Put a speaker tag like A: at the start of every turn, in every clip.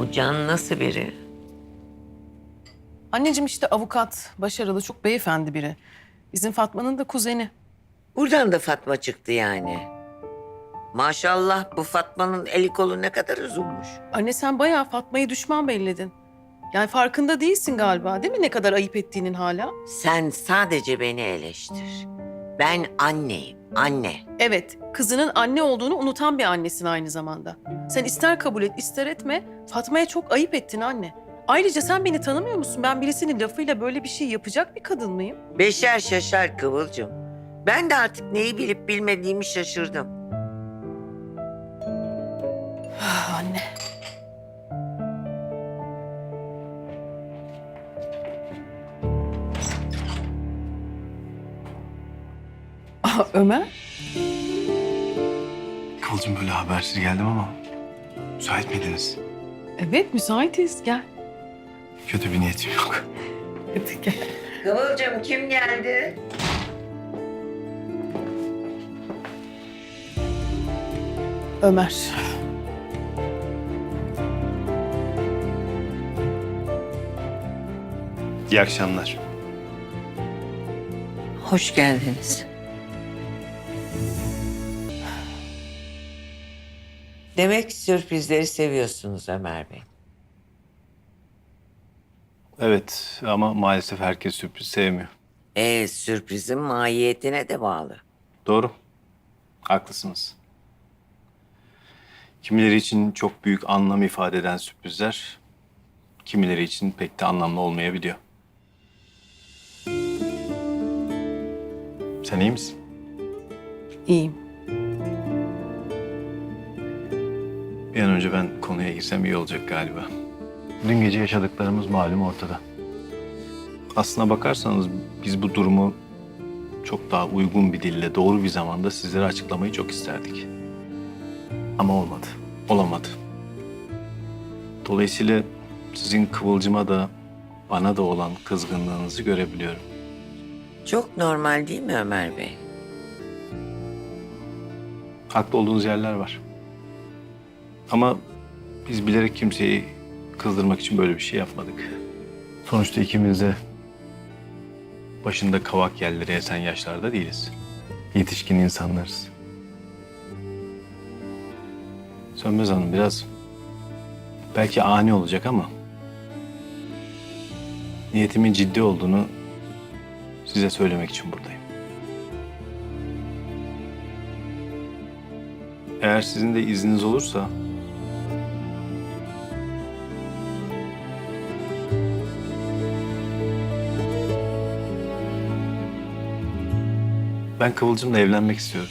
A: Bu Can nasıl biri?
B: Anneciğim işte avukat, başarılı, çok beyefendi biri. Bizim Fatma'nın da kuzeni.
A: Buradan da Fatma çıktı yani. Maşallah bu Fatma'nın eli kolu ne kadar uzunmuş.
B: Anne sen bayağı Fatma'yı düşman belledin. Yani farkında değilsin galiba değil mi ne kadar ayıp ettiğinin hala?
A: Sen sadece beni eleştir. Ben anneyim, anne.
B: Evet, kızının anne olduğunu unutan bir annesin aynı zamanda. Sen ister kabul et, ister etme, Fatma'ya çok ayıp ettin anne. Ayrıca sen beni tanımıyor musun? Ben birisinin lafıyla böyle bir şey yapacak bir kadın mıyım?
A: Beşer şaşar Kıvılcım. Ben de artık neyi bilip bilmediğimi şaşırdım.
B: Ah, anne. Ömer?
C: Kıvılcım böyle habersiz geldim ama müsait miydiniz?
B: Evet, müsaitiz. Gel.
C: Kötü bir niyetim yok.
B: Hadi gel.
A: Kıvılcım kim geldi?
B: Ömer.
C: İyi akşamlar.
A: Hoş geldiniz. Demek sürprizleri seviyorsunuz Ömer Bey.
C: Evet ama maalesef herkes sürpriz sevmiyor.
A: Sürprizin mahiyetine de bağlı.
C: Doğru. Haklısınız. Kimileri için çok büyük anlam ifade eden sürprizler, kimileri için pek de anlamlı olmayabiliyor. Sen iyi misin?
B: İyiyim.
C: Bir an önce ben konuya girsem iyi olacak galiba. Dün gece yaşadıklarımız malum ortada. Aslına bakarsanız biz bu durumu çok daha uygun bir dille, doğru bir zamanda sizlere açıklamayı çok isterdik. Ama olmadı, olamadı. Dolayısıyla sizin Kıvılcım'a da bana da olan kızgınlığınızı görebiliyorum.
A: Çok normal değil mi Ömer Bey?
C: Haklı olduğunuz yerler var. Ama biz bilerek kimseyi kızdırmak için böyle bir şey yapmadık. Sonuçta ikimiz de başında kavak yerleri esen yaşlarda değiliz. Yetişkin insanlarız. Sönmez Hanım biraz belki ani olacak ama niyetimin ciddi olduğunu size söylemek için buradayım. Eğer sizin de izniniz olursa ben Kıvılcım'la evlenmek istiyorum.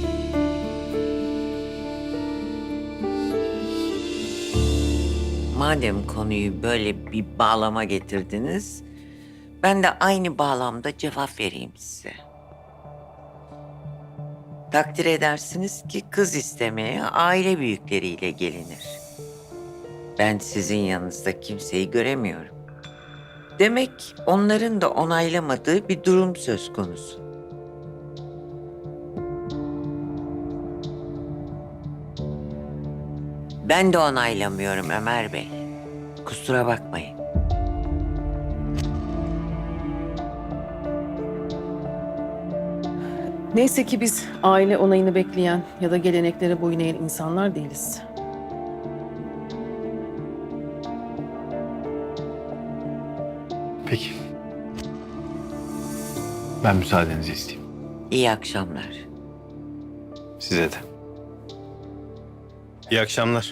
A: Madem konuyu böyle bir bağlama getirdiniz, ben de aynı bağlamda cevap vereyim size. Takdir edersiniz ki kız istemeye aile büyükleriyle gelinir. Ben sizin yanınızda kimseyi göremiyorum. Demek onların da onaylamadığı bir durum söz konusu. Ben de onaylamıyorum Ömer Bey. Kusura bakmayın.
B: Neyse ki biz aile onayını bekleyen ya da geleneklere boyun eğen insanlar değiliz.
C: Peki. Ben müsaadenizi isteyeyim.
A: İyi akşamlar.
C: Size de. İyi akşamlar.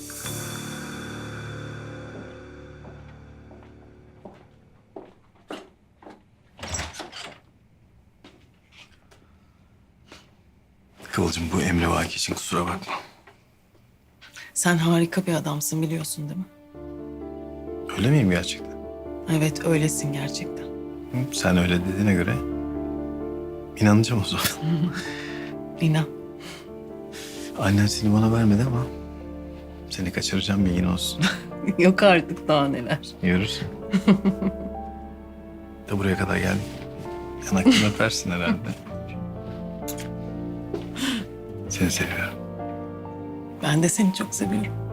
C: Kıvılcım bu emrivaki için kusura bakma.
B: Sen harika bir adamsın biliyorsun değil mi?
C: Öyle miyim gerçekten?
B: Evet öylesin gerçekten.
C: Hı, sen öyle dediğine göre inanacağım o zaman.
B: İnan.
C: Annen seni bana vermedi ama seni kaçıracağım bilgin olsun.
B: Yok artık daha neler.
C: Görürsün. De buraya kadar geldim. Yanaktan öpersin herhalde. Seni seviyorum.
B: Ben de seni çok seviyorum.